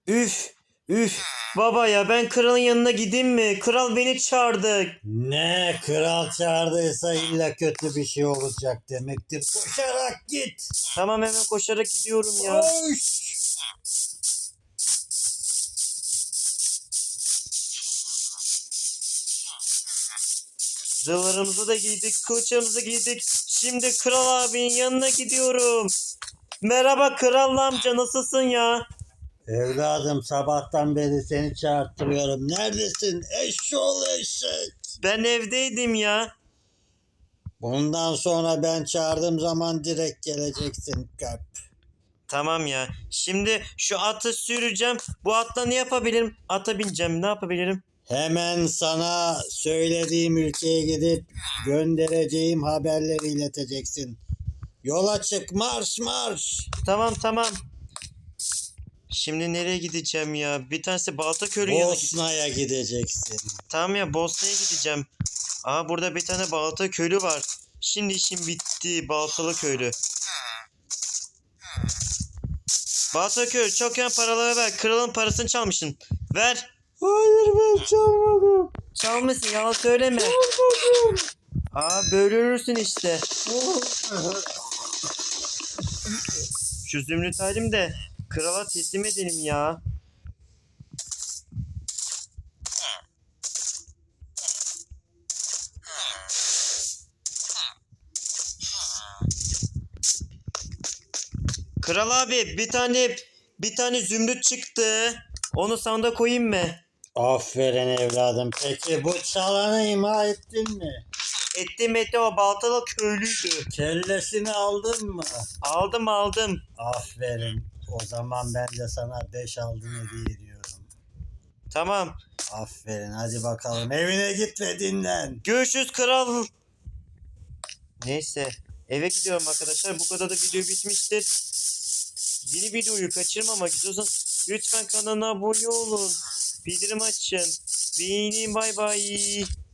Üf üf baba ya, ben kralın yanına gideyim mi? Kral beni çağırdı. Ne kral çağırdıysa illa kötü bir şey olacak demektir. Koşarak git. Tamam, hemen koşarak gidiyorum ya. Koş. Zırhlarımızı da giydik, kılıçlarımızı giydik. Şimdi kral abinin yanına gidiyorum. Merhaba kral amca, nasılsın ya? Evladım sabahtan beri seni çağırtırıyorum. Neredesin? Eşşoğlu eşek. Ben evdeydim ya. Bundan sonra ben çağırdığım zaman direkt geleceksin köp. Tamam ya. Şimdi şu atı süreceğim. Bu atla ne yapabilirim? Ata bineceğim. Ne yapabilirim? Hemen sana söylediğim ülkeye gidip göndereceğim haberleri ileteceksin. Yola çık, marş marş. Tamam. Şimdi nereye gideceğim ya? Bir tanesi Baltaköy'ün yanına gideceğim. Bosna'ya gideceksin. Tamam ya, Bosna'ya gideceğim. Aa, burada bir tane Baltakölü var. Şimdi işim bitti, Baltalı köylü. Baltaköy, çok yan paraları ver. Kralın parasını çalmışsın. Ver. Hayır ben çalmadım. Çalmışsın, yalan söyleme. Aa, böyle ölürsün işte. Şu zümrüt halim de krala teslim edelim ya. Kral abi, bir tane zümrüt çıktı. Onu sandığa koyayım mı? Aferin evladım. Peki bu çalanı ima ettin mi? Ettim, o baltalı köylüydü. Kellesini aldın mı? Aldım. Aferin. O zaman ben de sana 5 altın hediye ediyorum. Tamam. Aferin. Hadi bakalım evine git ve dinlen. Görüşürüz kral. Neyse, eve gidiyorum arkadaşlar. Bu kadar da video bitmiştir. Yeni videoyu kaçırmamak istiyorsanız lütfen kanala abone olun. Bildirim açın. Beğenin, bay bay.